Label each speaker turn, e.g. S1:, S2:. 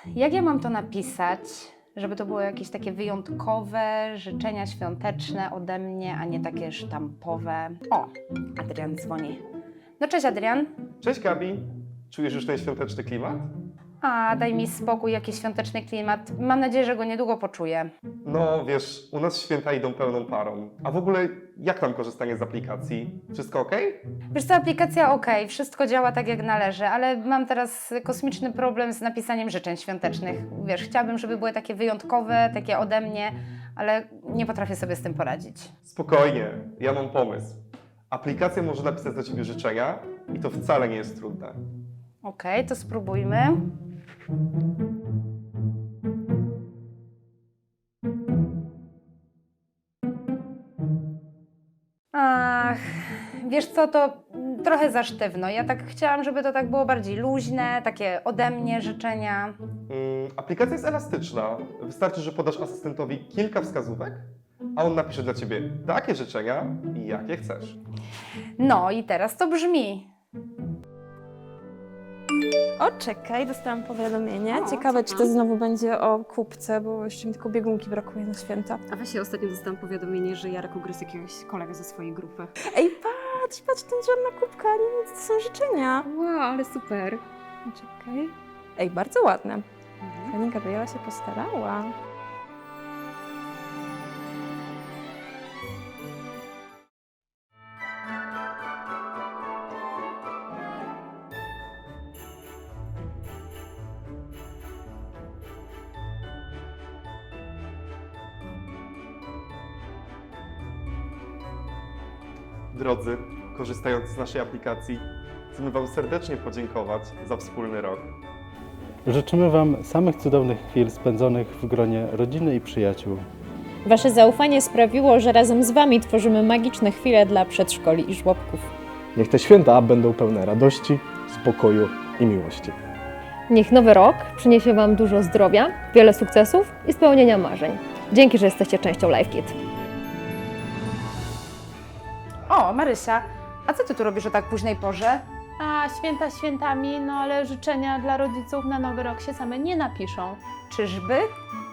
S1: jak ja mam to napisać, żeby to było jakieś takie wyjątkowe życzenia świąteczne ode mnie, a nie takie sztampowe? O, Adrian dzwoni. No cześć Adrian.
S2: Cześć Gabi, czujesz już ten świąteczny klimat?
S1: A, daj mi spokój, jaki świąteczny klimat. Mam nadzieję, że go niedługo poczuję.
S2: No wiesz, u nas święta idą pełną parą. A w ogóle jak tam korzystanie z aplikacji? Wszystko ok?
S1: Wiesz co, aplikacja ok, wszystko działa tak jak należy, ale mam teraz kosmiczny problem z napisaniem życzeń świątecznych. Wiesz, chciałabym, żeby były takie wyjątkowe, takie ode mnie, ale nie potrafię sobie z tym poradzić.
S2: Spokojnie, ja mam pomysł. Aplikacja może napisać dla Ciebie życzenia i to wcale nie jest trudne.
S1: Okej, to spróbujmy. Ach, wiesz co, to trochę za sztywno. Ja tak chciałam, żeby to tak było bardziej luźne, takie ode mnie życzenia.
S2: Aplikacja jest elastyczna. Wystarczy, że podasz asystentowi kilka wskazówek, a on napisze dla Ciebie takie życzenia, jakie chcesz.
S1: No i teraz to brzmi.
S3: O, czekaj, dostałam powiadomienie.
S1: O,
S3: Ciekawe,
S1: co
S3: czy
S1: tam?
S3: to znowu będzie o kubce, bo jeszcze mi tylko biegunki brakuje na święta.
S4: A właśnie ostatnio dostałam powiadomienie, że Jarek ugryzł jakiegoś kolegę ze swojej grupy.
S3: Ej, patrz, ten żadna kubka, nie, to są życzenia.
S4: Wow, ale super.
S3: Czekaj. Ej, bardzo ładne. Pani Gabriela się postarała.
S2: Drodzy, korzystając z naszej aplikacji, chcemy Wam serdecznie podziękować za wspólny rok.
S5: Życzymy Wam samych cudownych chwil spędzonych w gronie rodziny i przyjaciół.
S6: Wasze zaufanie sprawiło, że razem z Wami tworzymy magiczne chwile dla przedszkoli i żłobków.
S7: Niech te święta będą pełne radości, spokoju i miłości.
S8: Niech nowy rok przyniesie Wam dużo zdrowia, wiele sukcesów i spełnienia marzeń. Dzięki, że jesteście częścią LiveKit.
S1: O, Marysia, a co ty tu robisz o tak późnej porze?
S9: A święta świętami, no ale życzenia dla rodziców na nowy rok się same nie napiszą.
S1: Czyżby?